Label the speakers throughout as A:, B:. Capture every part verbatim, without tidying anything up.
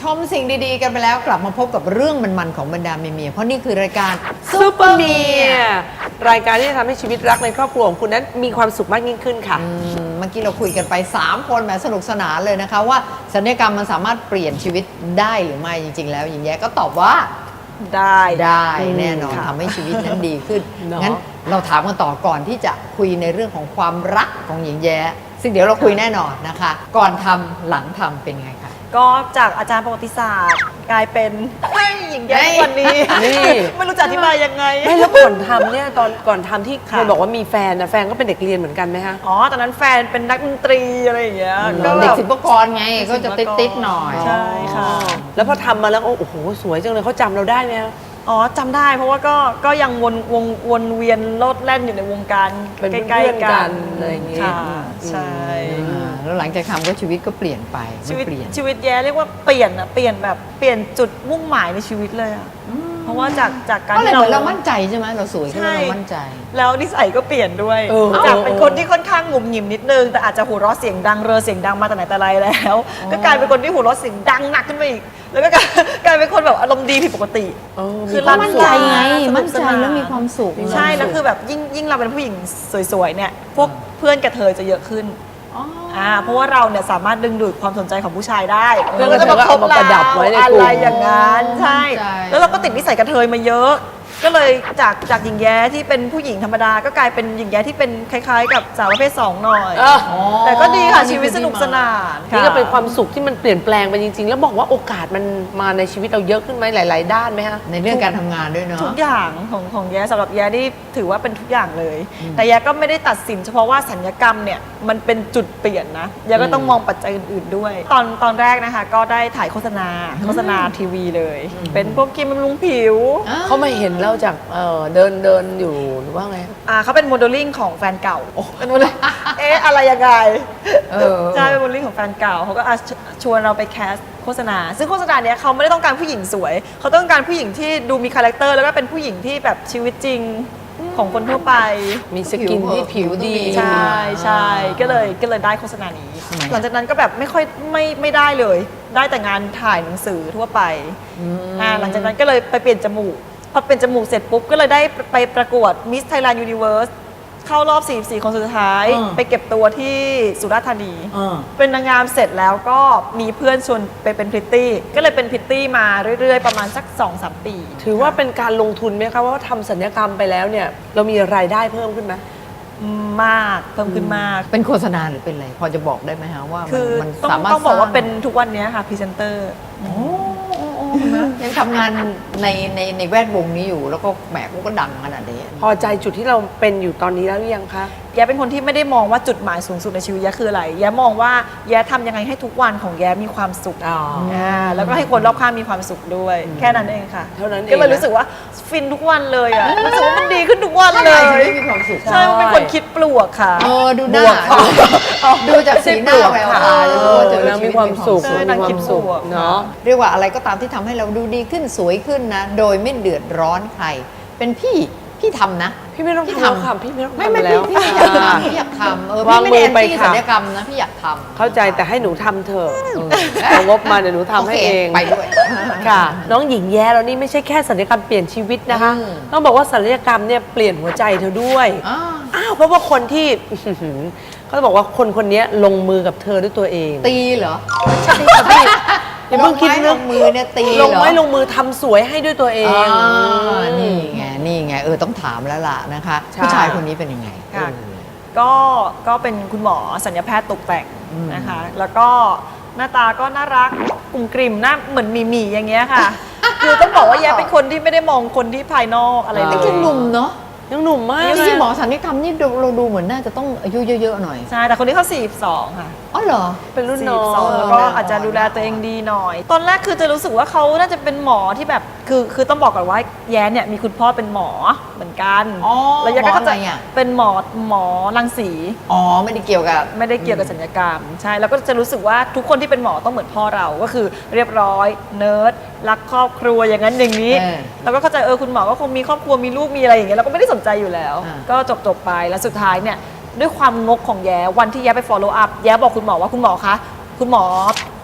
A: มสิ่งดีๆกันไปแล้วกลับมาพบกับเรื่องมันๆของบรรดาเมียๆเพราะนี่คือรายการ
B: ซูเปอร์เมียรายการที่จะทำให้ชีวิตรักในครอบครัวของคุณนั้นมีความสุขมากยิ่งขึ้นค่ะ
A: เมื่อกี้เราคุยกันไปสามคนแบบสนุกสนานเลยนะคะว่าศัลยกรรมมันสามารถเปลี่ยนชีวิตได้หรือไม่จริงๆแล้วหญิงแย้ก็ตอบว่า
B: ได้
A: ได้แน่นอนทำให้ชีวิตนั้นดีขึ้นงั้นเราถามกันต่อก่อนที่จะคุยในเรื่องของความรักของหญิงแย้ซึ่งเดี๋ยวเราคุยแน่นอนนะคะก่อนทำหลังทำเป็นไงคะ
C: ก็จากอาจารย์ประวัติศาสตร์กลายเป็นหญิงแย้วันนี้ไม่รู้จะอธิบายยังไง
B: ไม่แล้วก่อนทำเนี่ยตอนก่อนทำที่เคยบอกว่ามีแฟนนะแฟนก็เป็นเด็กเรียนเหมือนกันไหมคะ
C: อ๋อตอนนั้นแฟนเป็นนักดนตรีอะไรอย่างเงี้ย
A: เด็กศิลปากรไงก็จะติดๆหน่อย
C: ใช่ค่ะ
B: แล้วพอทำมาแล้วโอ้โหสวยจังเลยเขาจำเราได้ไหมคะ
C: อ๋อจำได้เพราะว่าก็ก็ยังวนวงวนเวียนโลดแล่นอยู่ในวงการใกล้ๆกัน
B: อะไรอย่างเงี้ย
C: ใช่
A: แล้วหลังจากทำก็ชีวิตก็เปลี่ยนไป
C: ชีวิตชีวิตแย่เรียกว่าเปลี่ยนอะเปลี่ยนแบบเปลี่ยนจุดมุ่งหมายในชีวิตเลยอะเพราะว่าจากจากการ
A: ที่เราเรามั่นใจใช่ไหมเราสวยก็เรามั่นใจ
C: แล้วนิสัยก็เปลี่ยนด้วยจากเป็นคนที่ค่อนข้างหงุมหงิมนิดนึงแต่อาจจะหัวเราะเสียงดังเรอเสียงดังมาแต่ไหนแต่ไรแล้วก็กลายเป็นคนที่หัวเราะเสียงดังหนักขึ้นไปอีกแล้วก็กลายเป็นคนแบบอารมณ์ดีผิดปกติ
A: คือเรามั่นใจไงมั่นใจแล้วมีความสุข
C: ใช่แล้วคือแบบยิ่งยิ่งเราเป็นผู้หญิงสวยๆเนี่ยพวกเพื่อนกระเทยจะเยอะขึ้นอ่าเพราะว่าเราเนี่ยสามารถดึงดูดความสนใจของผู้ชายได้
B: เพื่อนก็จะมาคบเรา
C: อะไรอย่างนั้นใช่แล้วเราก็ติดนิสัยกระเทยมาเยอะก็เลยจากจากหญิงแย้ที่เป็นผู้หญิงธรรมดาก็กลายเป็นหญิงแย้ที่เป็นคล้ายๆกับสาวประเภทสองหน่อยแต่ก็ดีค่ะชีวิตสนุกสนาน
B: นี่ก็เป็นความสุขที่มันเปลี่ยนแปลงไปจริงๆแล้วบอกว่าโอกาสมันมาในชีวิตเราเยอะขึ้นไหมหลายๆด้านไหมคะ
A: ในเรื่องการทำงานด้วยเนาะ
C: ทุกอย่างของของแย้สำหรับแย้นี่ถือว่าเป็นทุกอย่างเลยแต่แย้ก็ไม่ได้ตัดสินเฉพาะว่าสัญญกรรมเนี่ยมันเป็นจุดเปลี่ยนนะแย้ก็ต้องมองปัจจัยอื่นๆด้วยตอนตอนแรกนะคะก็ได้ถ่ายโฆษณาโฆษณาทีวีเลยเป็นพวกครีมบำรุงผิว
B: เขามาเห็นเราจากเดินเดินอยู่หรือว่าไง
C: อ่าเขาเป็นโมเดลลิ่งของแฟนเก่าเป็นโมเดลเอ๊ะอะไรยังไงใช่เป็นโมเดลลิ่งของแฟนเก่าเขาก็ชวนเราไปแคสโฆษณาซึ่งโฆษณาเนี้ยเขาไม่ได้ต้องการผู้หญิงสวยเขาต้องการผู้หญิงที่ดูมีคาแรคเตอร์แล้วก็เป็นผู้หญิงที่แบบชีวิตจริงของคนทั่วไป
B: มีสกินที่ผิวดี
C: ใช่ใช่ก็เลยก็เลยได้โฆษณานี้หลังจากนั้นก็แบบไม่ค่อยไม่ไม่ได้เลยได้แต่งานถ่ายหนังสือทั่วไปอ่าหลังจากนั้นก็เลยไปเปลี่ยนจมูกพอเป็นจมูกเสร็จปุ๊บก็เลยได้ไปประกวด Miss Thailand Universe เข้ารอบสี่สิบสี่คนสุดท้ายไปเก็บตัวที่สุราษฎร์ธานีเป็นนางงามเสร็จแล้วก็มีเพื่อนชวนไปเป็นพริตตี้ก็เลยเป็นพริตตี้มาเรื่อยๆประมาณสัก สองถึงสาม ปี
B: ถือว่าเป็นการลงทุนไหมคะว่าทำศัลยกรรมไปแล้วเนี่ยเรามีรายได้เพิ่มขึ้นไหม
C: มากเพิ่มขึ้นมาก
A: เป็นโฆษณาหรือเป็นอะไรพอจะบอกได้ไหมคะว่า
C: มันสามารถต้องบอกว่าเป็นทุกวันนี้ค่ะพรีเซนเตอร์
A: ยังทำงานในในในแวดวงนี้อยู่แล้วก็แหมก็ดังขนาดนี้
B: พอใจจุดที่เราเป็นอยู่ตอนนี้แล้วหรือยังคะ
C: แย้เป็นคนที่ไม่ได้มองว่าจุดหมายสูงสุดในชีวิตแย้คืออะไรแย้มองว่าแย้ทำยังไงให้ทุกวันของแย้มีความสุขอ่าแล้วก็ให้คนรอบข้างมีความสุขด้วยแค่นั้นเองค่ะ
B: เท่านั้นเอง
C: ก็เลยรู้สึกว่าฟินทุกวันเลยอ่ะรู้สึกว่ามันดีขึ้นทุกวันเลย
A: มีความสุข
C: ใช่มันเป็นคนคิดปลวกค่ะ
A: เออดูหน้าดูจากสีหน้าแววตา
B: แล้วมีความสุขมีความสุขเนาะ
A: เรียกว่าอะไรก็ตามที่ทำให้เราดูดีขึ้นสวยขึ้นนะโดยไม่เดือดร้อนใครเป็นพี่พี่ทำนะ
B: พี่ไม่ต้องทำค่ะพี่ไม่ต้องทำแล้ว
A: พี่อยากทำพี่อยากทำเออพี่ไม่ได้แอนตี้ศัลยกรรมนะพี่อยากทำ
B: เข้าใจแต่ให้หนูทำเถอะเอางบมาเดี๋ยวหนูทำให้เอง
A: ไปด้วย
B: ค่ะน้องหญิงแย้เรานี่ไม่ใช่แค่ศัลยกรรมเปลี่ยนชีวิตนะคะต้องบอกว่าศัลยกรรมเนี่ยเปลี่ยนหัวใจเธอด้วยอ้าวเพราะว่าคนที่เขาจะบอกว่าคนคนนี้ลงมือกับเธอด้วยตัวเอง
A: ตีเหรอ
B: ใช่ค่ะพี่อย่าเพิ่งคิด
A: ลงมือเนี่ยตี
B: ลงไม้ลงมือทำสวยให้ด้วยตัวเอง
A: นี่ไงนี่ไงเออต้องถามแล้วล่ะนะคะผู้ชายคนนี้เป็นยังไง
C: ก็ก็เป็นคุณหมอศัลยแพทย์ตกแต่งนะคะแล้วก็หน้าตาก็น่ารักกลุ่มกลิ่มหน้าเหมือนมีหมีอย่างเงี้ยค่ะคือต้องบอกว่าแย้เป็นคนที่ไม่ได้มองคนที่ภายนอกอะไรเลย
A: ยังหนุ่มเนาะ
B: ยังหนุ่มมาก
A: ที่หมอศัลยกรรมนี่เราดูเหมือนน่าจะต้องอายุเยอะๆหน่อย
C: ใช่แต่คนนี้เขาสี่สิบสองค่ะ
A: อ๋อเหรอ
C: เป็นรุ่นน้องแล้วก็อาจจะดูแลตัวเองดีหน่อยตอนแรกคือจะรู้สึกว่าเขาน่าจะเป็นหมอที่แบบคือคือต้องบอกก่อนว่าแย้เนี่ยมีคุณพ่อเป็นหมอเหมือนกัน
A: แล้ว
C: แย้ก็จะเป็นหมอหมอรังสี
A: อ๋อไม่ได้เกี่ยวกับ
C: ไม่ได้เกี่ยวกับศัลยกรรมใช่แล้วก็จะรู้สึกว่าทุกคนที่เป็นหมอต้องเหมือนพ่อเราก็คือเรียบร้อยเนิร์ดรักครอบครัวอย่างนั้นอย่างนี้แล้วก็เข้าใจเออคุณหมอก็คงมีครอบครัวมีลูกมีอะไรอย่างเงี้ยเราก็ไม่ได้สนใจอยู่แล้วก็จบจบไปแล้วสุดท้ายเนี่ยด้วยความงกของแย้วันที่แย้ไป follow up แย้บอกคุณหมอว่าคุณหมอคะคุณหมอ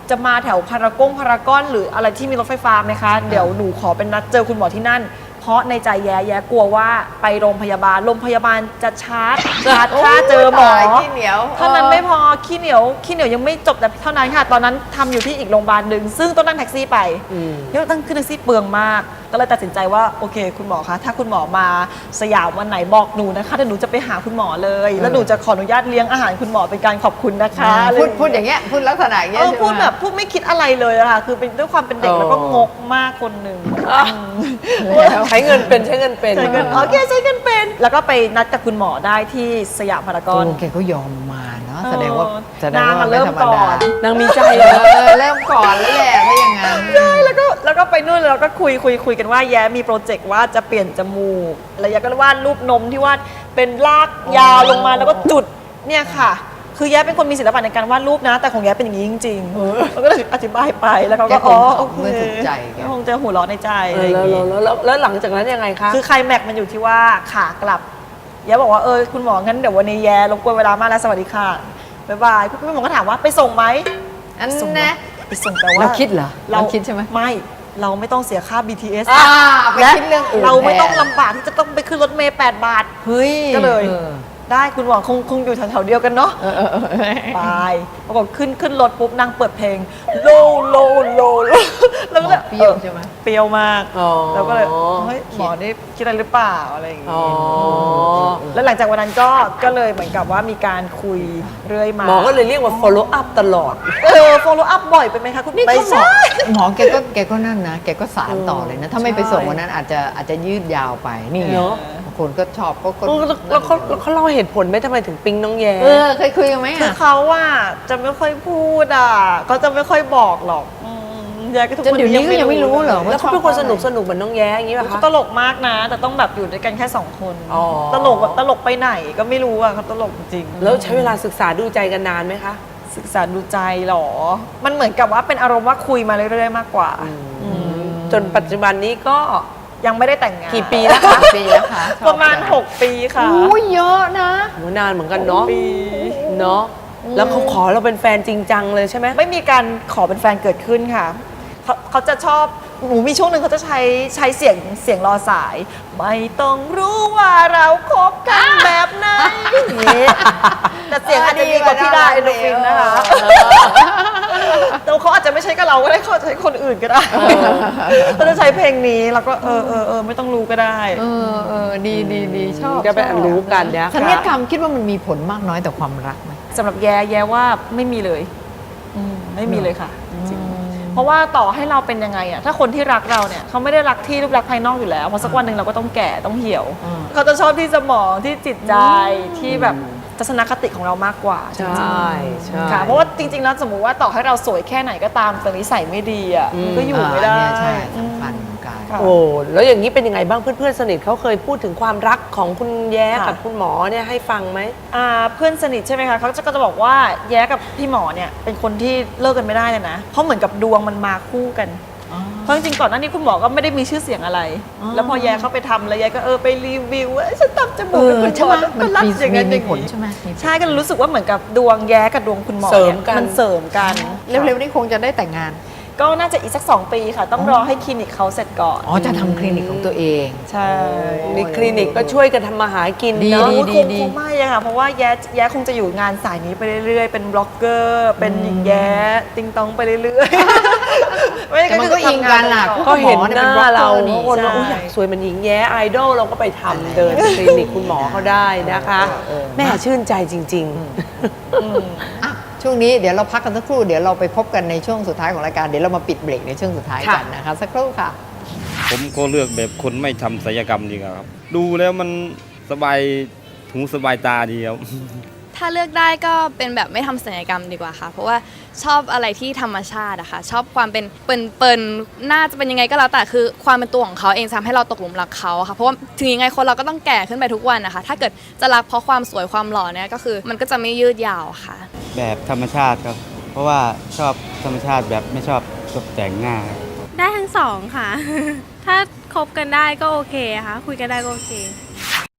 C: จะมาแถวพารากงพารากอนหรืออะไรที่มีรถไฟฟ้าไหมคะเดี๋ยวหนูขอเป็นนัดเจอคุณหมอที่นั่นเพราะในใจแย่แย่กลัวว่าไปโรงพยาบาลโรงพยาบาลจะชาร์จชาร์จค่าเจอหมอ
A: ขี้เหนียว
C: เท่านั้นไม่พอขี้เหนียวขี้เหนียวยังไม่จบแต่เท่านั้นค่ะตอนนั้นทำอยู่ที่อีกโรงพยาบาลหนึ่งซึ่งต้องนั่งแท็กซี่ไปเที่ยวตั้งขึ้นแท็กซี่เปลืองมากก็เลยตัดสินใจว่าโอเคคุณหมอคะถ้าคุณหมอมาสยามวันไหนบอกหนูนะคะเดี๋ยวหนูจะไปหาคุณหมอเลยแล้วหนูจะขออนุญาตเลี้ยงอาหารคุณหมอเป็นการขอบคุณนะคะอะไร
A: พูดพูดอย่างเงี้ยพูดลักษณะอย่างเงี้
C: เอย อ
A: ใช่ไหม
C: พูดแบบพูดไม่คิดอะไรเลยอะค่ะคือเป็นด้วยความเป็นเด็กแล้วก็งกมากคนหนึ่ง
B: ใช้เงินเป็นใช้เงินเป็น
C: ใช้เงินโอเคใช้เงินเป็น แล้วก็ไปนัดกับคุณหมอได้ที่สยามพารากอน
A: โอ้แกก็ยอมมาเนาะแสดงว่า
C: เออ
A: แสดงว่าน
C: างอะ
A: ไม่
C: เริ่ม
A: ธรรม
C: ก่
A: ดา
C: อน
B: นางมีใจ
A: เอ
B: เหรอ
A: อเริ่มก่อนแล้วแหละถ้าอย่างนั้น
C: ใช่แล้วก็แล้วก็ไปนู่นแล้วก็คุยคุยคุยกันว่าแย้มีโปรเจกต์ว่าจะเปลี่ยนจมูกแล้วแย้ก็วาดรูปนมที่วาดเป็นลากยาวลงมาแล้วก็จุดเนี่ยค่ะ คือแย้เป็นคนมีศิลปะในการวาดรูปนะ แต่ของแย้เป็นอย่างนี้จริงๆแล้วก็เลยอธิบายไปแล้วเขาก็
A: แกค
C: อ๋
A: ง
C: อ
A: ขำ
C: โอเค
A: เมื่อถูกใจแก
C: คงจะหัวเราะในใจ
B: เอ
C: อะไร
B: อ
C: อย่า
B: แล้ว
C: งงี้
B: แล้วแล้วแล้วหลังจากนั้นยังไงคะ
C: คือใครแม็กมันอยู่ที่ว่าขากลับแย้บอกว่าเออคุณหมองั้นเดี๋ยววันนี้แย้รบกวนเวลามากแล้วสวัสดีค่ะบ๊ายบายพี่หมอก็ถามว่าไปส่งไหม
A: อัน
C: ส่ง
A: นะ
C: ไปส่งแต่ว่า
A: เราคิดเหรอเราคิดใช่ไหม
C: ไม่เราไม่ต้องเสียค่า บี ที เอส
A: อ่าไป
C: และ
A: คิดเรื่องอื่น
C: เราไม่ต้อง
A: แทน
C: ลำบากที่จะต้องไปขึ้นรถเมล์แปดบาท
A: เฮ้ย
C: ก็เลย
A: ออ
C: ได้คุณหมอคงคงอยู่แถวๆเดียวกันเนาะ
A: เออเออเออ
C: ไปปรากฏขึ้นขึ้นรถปุ๊บนางเปิดเพลงโลโลโลโลแล้วก็เลย
A: เปรี้ยวใช่ไหม
C: เปรี้ยวมาก
B: อ๋อ
C: แล้วก็เลยเฮ้ยหมอนี่คิดอะไรหรือเปล่าอะไรอย่าง
B: อ๋อ
C: งี้แล้วหลังจากวันนั้นก็ก็เลยเหมือนกับว่ามีการคุยเรื่อยมา
B: หมอก็เลยเรียกว่า follow up ตลอด
C: เออ follow up บ่อยไปไหมคะคุณ
A: นี่
C: ไม่
A: เขาหมอ
C: ใช่
A: หมอแกก็แกก็นั่นนะ แกก็สารต่อเลยนะ ถ้าไม่ไปส่งวันนั้นอาจจะอาจจะยืดยาวไปนี่ไง
B: เนอะ
A: บางคนก็ชอบก็ก็
B: แล้วเขาแล้วเขาเล่าเหตุผลไหมทำไมถึงปิ๊งน้องแย้
A: เออเคยคุยกันไหม
C: คือ
A: อ่ะ
C: เขาว่าจะไม่ค่อยพูดอ่ะเขาจะไม่ค่อยบอกหรอกอืมยายก็ทุก
A: จนเดี๋ยวนี้ก็ยังไม่รู้เหรอ
B: แล้วเขาเป็นคนสนุกสนุกเหมือนน้องแย้อย่างนี้ป่ะ
C: เขา
B: คะ
C: ตลกมากนะ แต่ต้องแบบอยู่ด้วยกันแค่สองคน
B: อ๋อ
C: ตลกแบบตลกไปไหนก็ไม่รู้อ่ะเขาตลกจริง
B: แล้วใช้เวลาศึกษาดูใจกันนานไหมคะ
C: ศึกษาดูใจหรอ มันเหมือนกับว่าเป็นอารมณ์ว่าคุยมาเรื่อยๆมากกว่าอืม
B: จนปัจจุบันนี้ก็
C: ยังไม่ได้แต่งงาน
B: กี่ปีแล้วคะ
A: ปีแล้วค่ะชอบ
C: ประมาณ
A: จัง
C: หก ปีค่ะ
A: อู้เยอะนะ
B: โหนานเหมือนกันเนาะ
C: ปี
B: เนาะแล้วเขาขอเราเป็นแฟนจริงจังเลยใช่ไหม
C: ไม่มีการขอเป็นแฟนเกิดขึ้นค่ะเขาเขาจะชอบหนูมีช่วงหนึ่งเขาจะใช้ใช้เสียงเสียงรอสาย ไม่ต้องรู้ว่าเราคบกันแบบไหนอย่างงี้แต่เสียงอาจจะดีกว่าพี่ได้เอนโดรฟินนะคะแต่เขาอาจจะไม่ใช่กับเราก็ได้เขาอาจจะใช้คนอื่นก็ได้เขาจะใช้เพลงนี้แล้วก็เออเออเออไม่ต้องรู้ก็ได้
A: เออเออดีดีดีชอบ
B: ก็ไปรู้กันนะ
A: สัญญ
B: คะ
A: กรรมคิดว่ามันมีผลมากน้อยต่อความรักไหม
C: สำหรับแย่แย่ว่าไม่มีเลยอืมไม่มีเลยค่ะจริงๆเพราะว่าต่อให้เราเป็นยังไงอะถ้าคนที่รักเราเนี่ยเขาไม่ได้รักที่รูปลักษณ์ภายนอกอยู่แล้วเพราะสักวันหนึ่งเราก็ต้องแก่ต้องเหี่ยว
A: อืม
C: เขาจะชอบที่สมองที่จิตใจที่แบบทัศนคติของเรามากกว่าจ
B: ใช
C: ริง่
B: ใช่
C: ๆค่ะเพราะว่าจริงๆแล้วสมมุติว่าต่อให้เราสวยแค่ไหนก็ตามแต่นิสัยไม่ดีอะมันก็อยู่ไม่ได้
A: าเนี่ยใช่สำคัญเหมือนกัน
C: ค่ะ
B: โอ้แล้วอย่างนี้เป็นยังไงบ้างเพื่อนๆสนิทเขาเคยพูดถึงความรักของคุณแย้
C: ค่ะ
B: กับคุณหมอเนี่ยให้ฟังไหม
C: อ่าเพื่อนสนิทใช่ไหมคะเขาจะก็จะบอกว่าแย้กับพี่หมอเนี่ยเป็นคนที่เลิกกันไม่ได้เลยนะเพราะเหมือนกับดวงมันมาคู่กัน เพราะจริงๆก่อนหน้านี้คุณหมอก็ไม่ได้มีชื่อเสียงอะไร
A: อ๋อ
C: แล้วพอแย้เข้าไปทำแล้วแย้ก็เออไปรีวิวว่าเอ้ยฉันทำจมู
A: เอก อ
C: กับคุณ
A: ใช่
C: ห
A: ไห
C: ม
A: ม
C: อ
A: มัน
C: รัด
A: มี
C: อย่าง
A: มี
C: นั้น
A: มี
C: อย่าง
A: ผล
C: นี้
A: ใช่ไหมมีผล
C: ใช่ก็เลยรู้สึกว่าเหมือนกับดวงแย้กับดวงคุณหมอ
B: เสริม
C: เนี่ย
B: กัน
C: มันเสริมกัน
A: เร็วๆนี้คงจะได้แต่งงาน
C: ก็น่าจะอีกสักสองปีค่ะ ต้องรอให้คลินิกเขาเสร็จก่อน
A: อ๋อจะทำคลินิกของตัวเอง
C: ใช่
B: มีคลินิกก็ช่วยกันทำมาหากิน
A: ดี
B: เนาะ
C: โอ้ย
A: ดี
C: คงคงไม่อะค่ะเพราะว่าแย้แย้คงจะอยู่งานสายนี้ไปเรื่อยๆ เป็นบล็อกเกอร์เป็นหญิงแย้ติงตองไปเรื่อยๆไม่
A: แต่มันก็อิงกันน่ะ
C: ทำงา
B: ก็เห็น
A: หมอ
B: ห
A: เนี่ยเป็น
B: น้า
A: บล็อกเกอร์
B: เรา
A: นี่
B: ทุกคนว่า
C: ใช่
B: อุ้ยอยากสวยเหมันหญิงแย้ไอดอลเราก็ไปทำเดินคลินิกคุณหมอเขาได้นะคะ
A: เออ
B: แม่ชื่นใจจริง
C: อืม
A: อ่ะช่วงนี้เดี๋ยวเราพักกันสักครู่เดี๋ยวเราไปพบกันในช่วงสุดท้ายของรายการเดี๋ยวเรามาปิดเบรกในช่วงสุดท้ายกันนะคะสักครู่ค่ะ
D: ผมก็เลือกแบบคนไม่ทำศัลยกรรมดีกว่าครับ ดูแล้วมันสบายหูสบายตาดีครับ
E: ถ้าเลือกได้ก็เป็นแบบไม่ทำศัลยกรรมดีกว่าค่ะ เพราะว่าชอบอะไรที่ธรรมชาติอะค่ะชอบความเป็นเปิ่นเปิ่นๆน่าจะเป็นยังไงก็แล้วแต่คือความเป็นตัวของเขาเองทำให้เราตกหลุมรักเขาอะค่ะเพราะว่าถึงยังไงคนเราก็ต้องแก่ขึ้นไปทุกวันนะคะถ้าเกิดจะรักเพราะความสวยความหล่อเนี่ยก็คือมันก็จะไม่ยืดยาวค่ะ
F: แบบธรรมชาติครับ เพราะว่าชอบธรรมชาติแบบไม่ชอบตกแต่งหน้าครับ
G: ได้ทั้งสองค่ะ ถ้าคบกันได้ก็โอเคค่ะ คุยกันได้ก็โอเค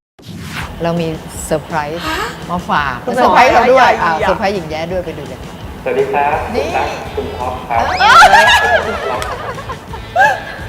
A: เรามีเซอร์ไพรส์มาฝาก
C: คุณ
A: เซอร์ไพรส์เราด้วย
C: ใหญ่ๆ
A: อ่า
C: อ่ะ
A: เซอร์ไพรส์หญิงแย้ด้วยไปดูเลย
H: สวัสดีครับ
A: นี่
H: คุณตั๊กคุณท็อปครับ